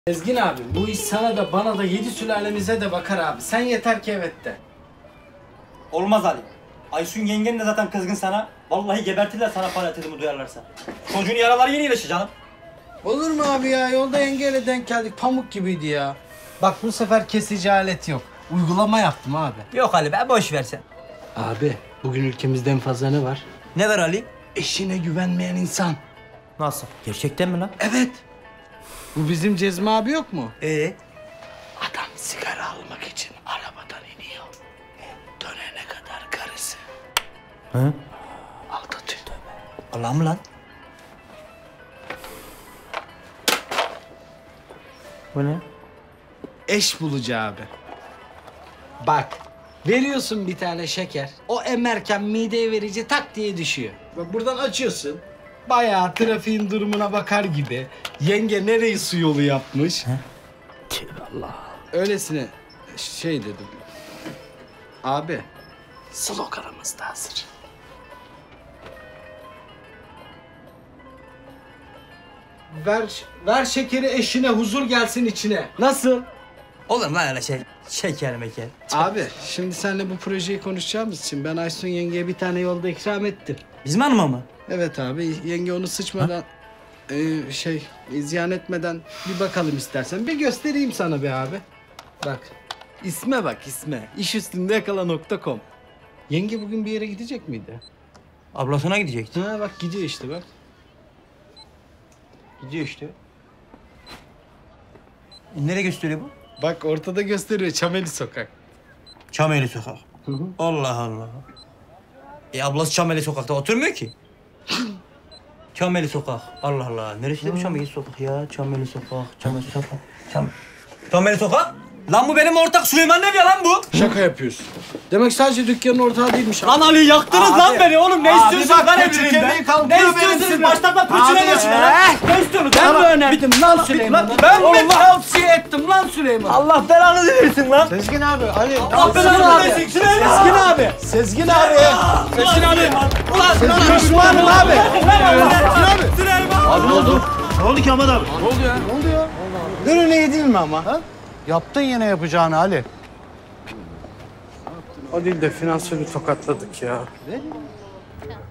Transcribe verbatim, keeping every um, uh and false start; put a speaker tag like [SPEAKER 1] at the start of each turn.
[SPEAKER 1] Sezgin abi, bu iş sana da bana da yedi sülalemize de bakar abi. Sen yeter ki evet de.
[SPEAKER 2] Olmaz Ali. Aysun yengen de zaten kızgın sana. Vallahi gebertirler sana paratezimi duyarlarsa. Çocuğun yaraları yeni iyileşir canım.
[SPEAKER 1] Olur mu abi ya? Yolda yengeyle denk geldik. Pamuk gibiydi ya. Bak bu sefer kesici alet yok. Uygulama yaptım abi.
[SPEAKER 2] Yok Ali be, boş ver sen.
[SPEAKER 1] Abi, bugün ülkemizde en fazla ne var?
[SPEAKER 2] Ne var Ali?
[SPEAKER 1] Eşine güvenmeyen insan.
[SPEAKER 2] Nasıl? Gerçekten mi lan?
[SPEAKER 1] Evet. Bu bizim Cezmi abi yok mu?
[SPEAKER 2] Ee?
[SPEAKER 1] Adam sigara almak için arabadan iniyor. Dönene kadar karısı.
[SPEAKER 2] Hı?
[SPEAKER 1] Aldatıyor.
[SPEAKER 2] Allah mı lan? Bu ne?
[SPEAKER 1] Eş bulucu abi. Bak, veriyorsun bir tane şeker. O emerken mideye verici tak diye düşüyor. Bak buradan açıyorsun. Bayağı trafiğin durumuna bakar gibi. Yenge nereyi su yolu yapmış. Allah. Öylesine şey dedim. Abi, sloganımız da hazır. Ver, ver şekeri eşine, huzur gelsin içine. Nasıl?
[SPEAKER 2] Olur mu lan öyle şey? Şeker meker.
[SPEAKER 1] Abi, şimdi seninle bu projeyi konuşacağımız için ben Aysun yengeye bir tane yolda ikram ettim.
[SPEAKER 2] Bizim hanıma mı?
[SPEAKER 1] Evet abi, yenge onu sıçmadan, e, şey, ziyan etmeden bir bakalım istersen. Bir göstereyim sana be abi. Bak, isme bak isme. İş üstünde yakala nokta com. Yenge bugün bir yere gidecek miydi?
[SPEAKER 2] Ablasına gidecekti.
[SPEAKER 1] Ha bak gidiyor işte bak.
[SPEAKER 2] Gidiyor işte. E, nereye gösteriyor bu?
[SPEAKER 1] Bak ortada gösteriyor Çameli Sokak.
[SPEAKER 2] Çameli Sokak.
[SPEAKER 1] Hı hı.
[SPEAKER 2] Allah Allah. E ablası Çameli Sokak'ta oturmuyor ki. Çameli Sokak. Allah Allah. Neresi de bu Çameli Sokak ya? Çameli Sokak, Çameli Sokak. Çam... Çameli Sokak? Lan bu benim ortak Süleyman Nebi lan bu.
[SPEAKER 1] Şaka yapıyorsun. Demek sadece dükkanın ortağı değilmiş.
[SPEAKER 2] Lan Ali yaktınız
[SPEAKER 1] Abi.
[SPEAKER 2] lan beni oğlum. Ne
[SPEAKER 1] Abi
[SPEAKER 2] istiyorsunuz
[SPEAKER 1] bak,
[SPEAKER 2] lan
[SPEAKER 1] küçük
[SPEAKER 2] evliliğimden?
[SPEAKER 1] yemeği kalkıyor
[SPEAKER 2] Ne
[SPEAKER 1] benim
[SPEAKER 2] istiyorsunuz?
[SPEAKER 1] sinir.
[SPEAKER 2] Başlatma
[SPEAKER 1] Abi.
[SPEAKER 2] pırçına geçme lan.
[SPEAKER 1] Eh.
[SPEAKER 2] Ne istiyorsunuz?
[SPEAKER 1] Ben
[SPEAKER 2] Ben
[SPEAKER 1] mi
[SPEAKER 2] mi
[SPEAKER 1] önerdim lan Süleyman'ı?
[SPEAKER 2] Ben mi?
[SPEAKER 1] Allah tavsiye ettim lan Süleyman.
[SPEAKER 2] Allah belanızı versin lan.
[SPEAKER 1] Sezgin abi, Ali.
[SPEAKER 2] Allah belanızı versin. Süleyman.
[SPEAKER 1] Sezgin abi. Sezgin abi. Sezgin abi.
[SPEAKER 2] Ulan
[SPEAKER 1] Sezgin düşmanım abi.
[SPEAKER 2] Süleyman. Süleyman.
[SPEAKER 1] Abi ne oldu?
[SPEAKER 3] Ne oldu ki Ahmet abi?
[SPEAKER 1] Ne oldu ya?
[SPEAKER 3] Ne oldu ya? Dönüne yedin mi ama? Ha? Yaptın yine yapacağını Ali.
[SPEAKER 1] O değil de finansörü tokatladık ya.
[SPEAKER 3] Ne?